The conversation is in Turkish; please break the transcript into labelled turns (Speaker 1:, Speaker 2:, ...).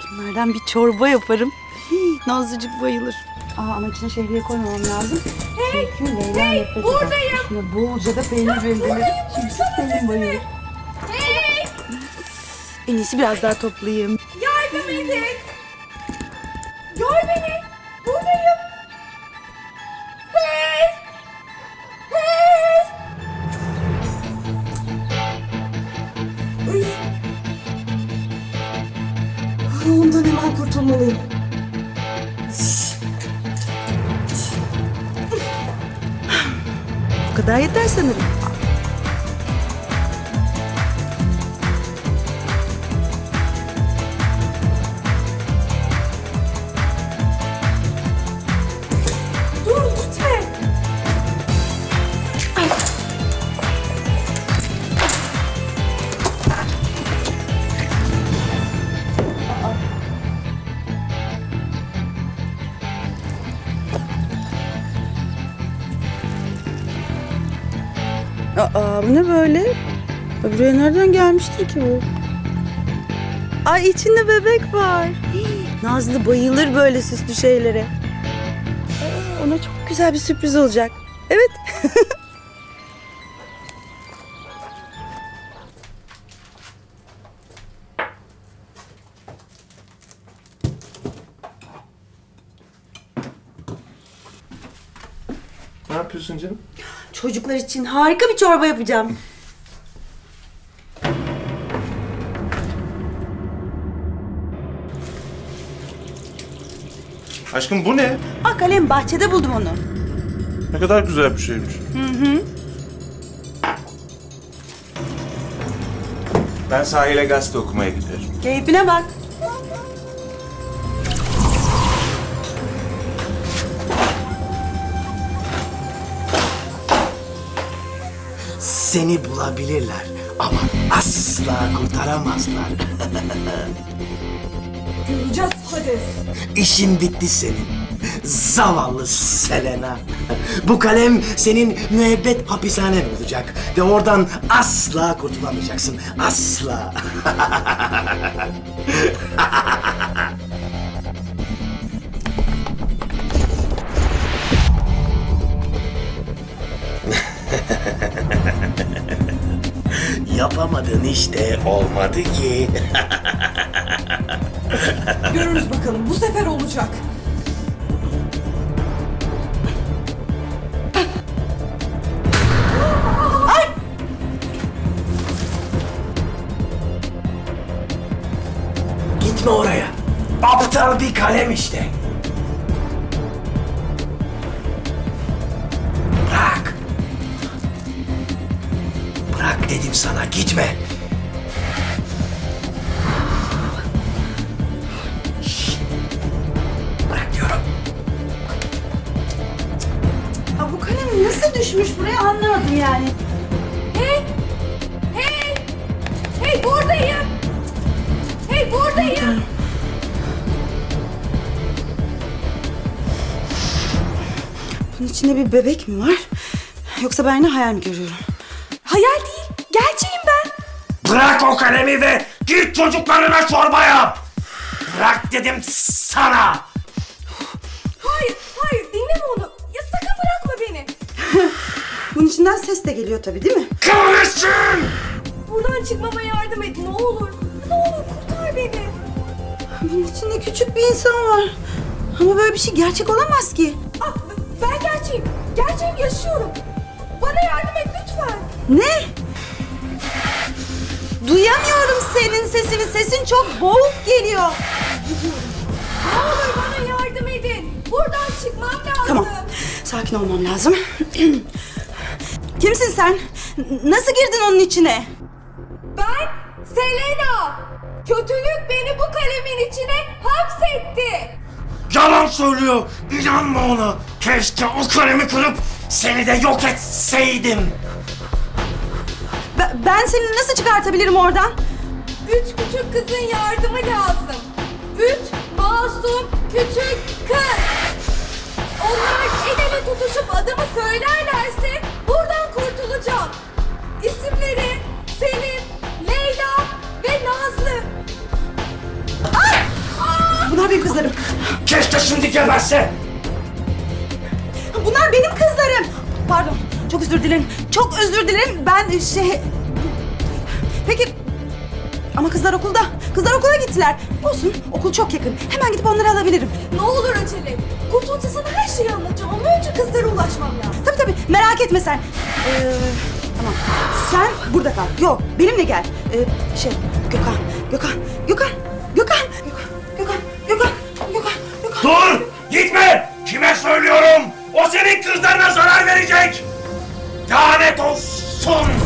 Speaker 1: Bunlardan bir çorba yaparım. Hii, Nazlıcık bayılır. Ama içine şehriye koymamam lazım. Çünkü Leyla nefret eder.
Speaker 2: buradayım.
Speaker 1: Üstüne bolca da peynir rendelerim. Çünkü Selin bayılır.
Speaker 2: Hey!
Speaker 1: En iyisi biraz daha toplayayım.
Speaker 2: Yardım edin! Gör beni! Buradayım! Hey! Hey! Üf! Ondan hemen kurtulmalıyım.
Speaker 1: Bu kadar yeter sanırım.
Speaker 2: Dur gitme!
Speaker 1: Bu ne böyle? Buraya nereden gelmiştir ki bu? Ay içinde bebek var. Hii, Nazlı bayılır böyle süslü şeylere. Ona çok güzel bir sürpriz olacak. Evet.
Speaker 3: Ne yapıyorsun canım?
Speaker 1: Çocuklar için harika bir çorba yapacağım.
Speaker 3: Aşkım bu ne?
Speaker 1: Kalem bahçede buldum onu.
Speaker 3: Ne kadar güzel bir şeymiş. Ben sahile gazete okumaya giderim.
Speaker 1: Keyfine bak.
Speaker 4: Seni bulabilirler ama asla kurtaramazlar.
Speaker 2: Göreceğiz Hades.
Speaker 4: İşin bitti senin. Zavallı Selena. Bu kalem senin müebbet hapishanen olacak ve oradan asla kurtulamayacaksın. Asla. Yapamadın işte, olmadı ki.
Speaker 2: Görürüz bakalım bu sefer olacak.
Speaker 4: Gitme oraya. Aptal bir kalem işte. Bırak. Bırak dedim sana, gitme. Şşt. Bırak diyorum.
Speaker 1: Bu kalem nasıl düşmüş buraya anlamadım yani.
Speaker 2: Hey! Hey! Hey buradayım! Hey buradayım!
Speaker 1: Bunun içinde bir bebek mi var? Yoksa ben yine hayal mi görüyorum?
Speaker 2: Hayal değil, gerçeğim ben.
Speaker 4: Bırak o kalemi ve git çocuklarına çorba yap. Bırak dedim sana.
Speaker 2: Hayır, hayır dinleme onu. Ya sakın bırakma beni.
Speaker 1: Bunun içinden ses de geliyor tabii değil mi?
Speaker 4: Kahretsin!
Speaker 2: Buradan çıkmama yardım et ne olur. Ne olur kurtar beni.
Speaker 1: Bunun içinde küçük bir insan var. Ama böyle bir şey gerçek olamaz ki.
Speaker 2: Ah, ben gerçeğim. Gerçeğim yaşıyorum. Bana yardım et lütfen.
Speaker 1: Ne? Duyamıyorum senin sesini. Sesin çok boğuk geliyor.
Speaker 2: Ne olur bana yardım edin. Buradan çıkmam lazım.
Speaker 1: Tamam. Sakin olmam lazım. Kimsin sen? Nasıl girdin onun içine?
Speaker 2: Ben Selena. Kötülük beni bu kalemin içine hapsetti.
Speaker 4: Yalan söylüyor. İnanma ona. Keşke o kalemi kırıp seni de yok etseydim.
Speaker 1: Ben seni nasıl çıkartabilirim oradan?
Speaker 2: 3 küçük kızın yardımı lazım. 3 masum küçük kız. Onlar el ele tutuşup adımı söylerlerse buradan kurtulacağım. İsimleri Selin, Leyla ve Nazlı. Ay!
Speaker 1: benim kızlarım.
Speaker 4: Keşke şimdi geberse.
Speaker 1: Bunlar benim kızlarım. Pardon, çok özür dilerim. Çok özür dilerim. Ben Peki... Ama kızlar okulda. Kızlar okula gittiler. Olsun, okul çok yakın. Hemen gidip onları alabilirim.
Speaker 2: Ne olur acele et. Kurtulunca sana her şeyi anlatacağım ama önce kızlara ulaşmam lazım.
Speaker 1: Tabii, merak etme sen. Tamam, sen burada kal. Yok, benimle gel. Gökhan.
Speaker 4: Dur! Gitme! Kime söylüyorum? O senin kızlarına zarar verecek! Lanet olsun!